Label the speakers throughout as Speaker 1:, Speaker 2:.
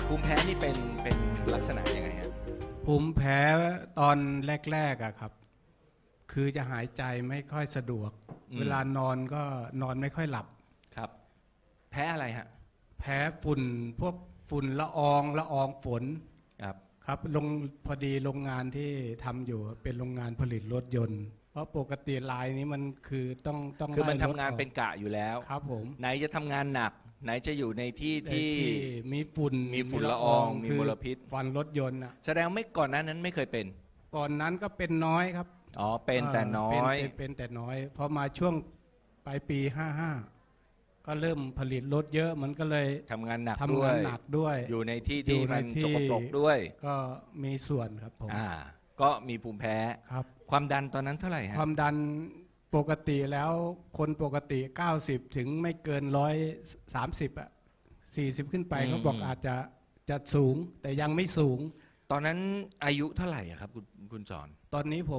Speaker 1: ภูมิแพ้นี่เป็นลักษณะยังไงฮะ
Speaker 2: ภูมิแพ้ตอนแรกๆอะครับคือจะหายใจไม่ค่อยสะดวกเวลานอนก็นอนไม่ค่อยหลับ
Speaker 1: ครับแพ้อะไรฮะ
Speaker 2: แพ้ฝุ่นพวกฝุ่นละอองฝนครับพอดีโรงงานที่ทำอยู่เป็นโรงงานผลิตรถยนต์เพราะปกติลายนี้มันคือต้อง
Speaker 1: คือมันทำงานเป็นกะอยู่แล้ว
Speaker 2: ครับผม
Speaker 1: ไหนจะทำงานหนักไหนจะอยู่ในที่
Speaker 2: มีฝุ่น
Speaker 1: ละอองมีมลพิษ
Speaker 2: ฟันรถยนต์นะ
Speaker 1: แสดงไม่ก่อนนั้นไม่เคยเป็น
Speaker 2: ก่อนนั้นก็เป็นน้อยครับ
Speaker 1: อ๋อเป็นแต่น้อย
Speaker 2: เป็นแต่น้อยพอมาช่วงปลายปี55ก็เริ่มผลิตรถเยอะมันก็เลย
Speaker 1: ทำงานหนัก
Speaker 2: ด้วย
Speaker 1: อยู่ในที่มันสกปรกด้วย
Speaker 2: ก็มีส่วนครับผม
Speaker 1: ก็มีภูมิแพ้
Speaker 2: ครับ
Speaker 1: ความดันตอนนั้นเท่าไหร่ฮะ
Speaker 2: ความดันปกติแล้วคนปกติ90ถึงไม่เกิน130อ่ะ40ขึ้นไปเขาบอกอาจจะสูงแต่ยังไม่สูง
Speaker 1: ตอนนั้นอายุเท่าไหร่ครับคุณสอน
Speaker 2: ตอนนี้ผม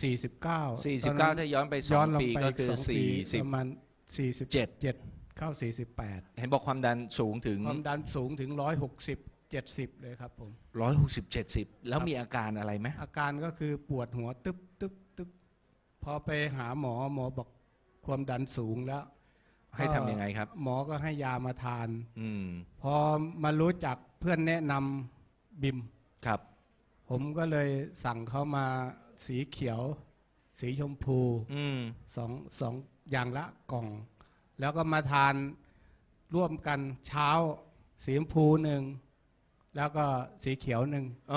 Speaker 1: 49ถ้าย้อนไป2 ปีก็คือ
Speaker 2: ประมาณ47เข้า48
Speaker 1: เห็นบอกความดันสูงถึง
Speaker 2: ความดันสูงถึง160-70เลยครับผม
Speaker 1: 160-70แล้วมีอาการอะไรไหม
Speaker 2: อาการก็คือปวดหัวตึ๊บพอไปหาหมอบอกความดันสูงแล้ว
Speaker 1: ให้ทำยังไงครับ
Speaker 2: หมอก็ให้ยามาทานพอมารู้จักเพื่อนแนะนำบิม
Speaker 1: ครับ
Speaker 2: ผมก็เลยสั่งเขามาสีเขียวสีชมพูสองอย่างละกล่องแล้วก็มาทานร่วมกันเช้าสีชมพู1แล้วก็สีเขียว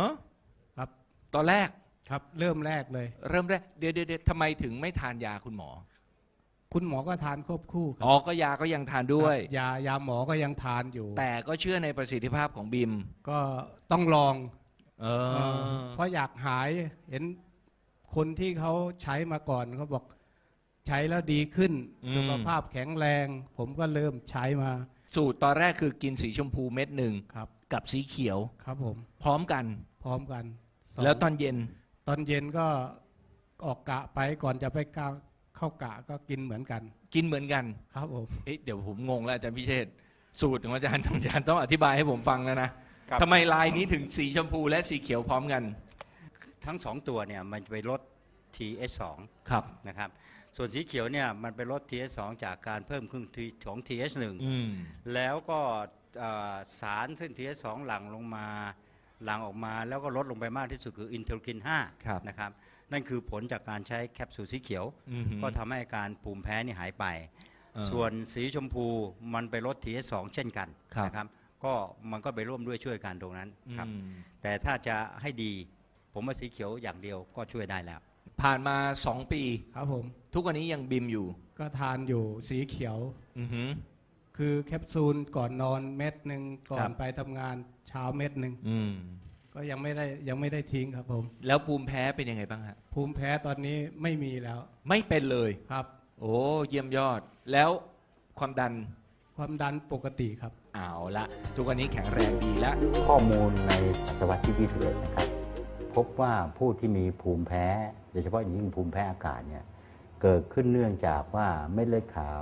Speaker 2: 1ครับ
Speaker 1: ตอนแรก
Speaker 2: ครับเริ่มแรก
Speaker 1: เดี๋ยวทำไมถึงไม่ทานยาคุณหมอ
Speaker 2: ก็ทานควบคู่
Speaker 1: อ๋อก็ยาก็ยังทานด้วย
Speaker 2: ยาหมอก็ยังทานอยู่
Speaker 1: แต่ก็เชื่อในประสิทธิภาพของบิม
Speaker 2: ก็ต้องลองเพราะอยากหายเห็นคนที่เขาใช้มาก่อนเขาบอกใช้แล้วดีขึ้นสุขภาพแข็งแรงผมก็เริ่มใช้มา
Speaker 1: สูตรตอนแรกคือกินสีชมพูเม็ด1
Speaker 2: ครับ
Speaker 1: กับสีเขียว
Speaker 2: ครับผม
Speaker 1: พร้อมกันแล้วตอนเย็น
Speaker 2: ก็ออกกะไปก่อนจะไปเข้ากะก็กินเหมือนกันครับผม
Speaker 1: เดี๋ยวผมงงแล้วอาจารย์พิเชษสูตรของอาจารย์ต้องอธิบายให้ผมฟังแล้วนะทำไมลายนี้ถึงสีชมพูและสีเขียวพร้อมกัน
Speaker 3: ทั้ง2ตัวเนี่ยมันไปลด TH2
Speaker 1: ครับ
Speaker 3: นะครับส่วนสีเขียวเนี่ยมันไปลด TH2 จากการเพิ่มขึ้นของ TH1 แล้วก็สารซึ่ง TH2 หลั่งออกมาแล้วก็ลดลงไปมากที่สุดคืออินเทอร์คิน5นะครับนั่นคือผลจากการใช้แคปซูลสีเขียวก็ทำให้อาการภูมิแพ้นี่หายไปส่วนสีชมพูมันไปลด TH2 เช่นกันนะครับก็มันก็ไปร่วมด้วยช่วยกันตรงนั้นครับแต่ถ้าจะให้ดีผมว่าสีเขียวอย่างเดียวก็ช่วยได้แล้ว
Speaker 1: ผ่านมา2 ปี
Speaker 2: ครับผม
Speaker 1: ทุกวันนี้ยังบิมอยู่
Speaker 2: ก็ทานอยู่สีเขียวคือแคปซูลก่อนนอนเม็ด1ก่อนไปทำงานเช้าเม็ด1ก็ยังไม่ได้ทิ้งครับผม
Speaker 1: แล้วภูมิแพ้เป็นยังไงบ้างฮะ
Speaker 2: ภูมิแพ้ตอนนี้ไม่มีแล้ว
Speaker 1: ไม่เป็นเลย
Speaker 2: ครับ
Speaker 1: โอ้เยี่ยมยอดแล้วความดัน
Speaker 2: ปกติครับ
Speaker 1: เอาละทุกวันนี้แข็งแรงดีแล้ว
Speaker 3: ข้อมูลในศตวรรษที่21นะครับพบว่าผู้ที่มีภูมิแพ้โดยเฉพาะอย่างยิ่งภูมิแพ้อากาศเนี่ยเกิดขึ้นเนื่องจากว่าเม็ดเลือดขาว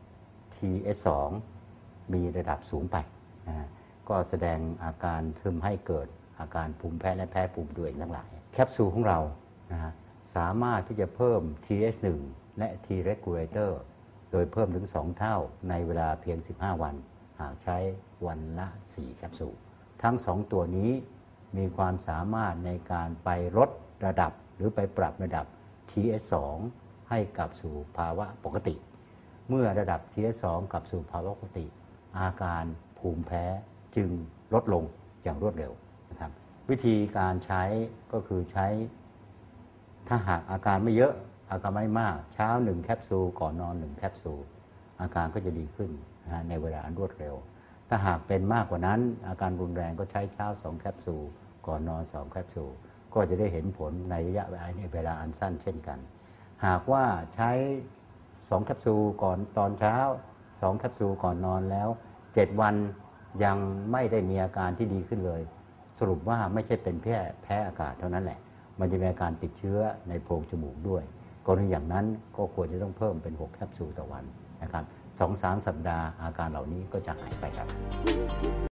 Speaker 3: TH2 มีระดับสูงไปนะก็แสดงอาการทำให้เกิดอาการภูมิแพ้และแพ้ภูมิตัวเองทั้งหลายแคปซูลของเรานะฮะสามารถที่จะเพิ่ม TH1 และ T regulator โดยเพิ่มถึง2เท่าในเวลาเพียง15วันหากใช้วันละ4แคปซูลทั้ง2ตัวนี้มีความสามารถในการไปลดระดับหรือไปปรับระดับ TH2 ให้กลับสู่ภาวะปกติเมื่อระดับ TH2 กลับสู่ภาวะปกติอาการภูมิแพ้จึงลดลงอย่างรวดเร็วนะครับวิธีการใช้ก็คือใช้ถ้าหากอาการไม่เยอะอาการไม่มากเช้า1แคปซูลก่อนนอน1แคปซูลอาการก็จะดีขึ้นนะในเวลาอันรวดเร็วถ้าหากเป็นมากกว่านั้นอาการรุนแรงก็ใช้เช้า2แคปซูลก่อนนอน2แคปซูลก็จะได้เห็นผลในระยะเวลาอันสั้นเช่นกันหากว่าใช้2แคปซูลก่อนตอนเช้า2แคปซูลก่อนนอนแล้ว7วันยังไม่ได้มีอาการที่ดีขึ้นเลยสรุปว่าไม่ใช่เป็นแพ้อากาศเท่านั้นแหละมันจะมีอาการติดเชื้อในโพรงจมูกด้วยกรณีอย่างนั้นก็ควรจะต้องเพิ่มเป็น6แคปซูลต่อวันนะครับ 2-3 สัปดาห์อาการเหล่านี้ก็จะหายไปครับ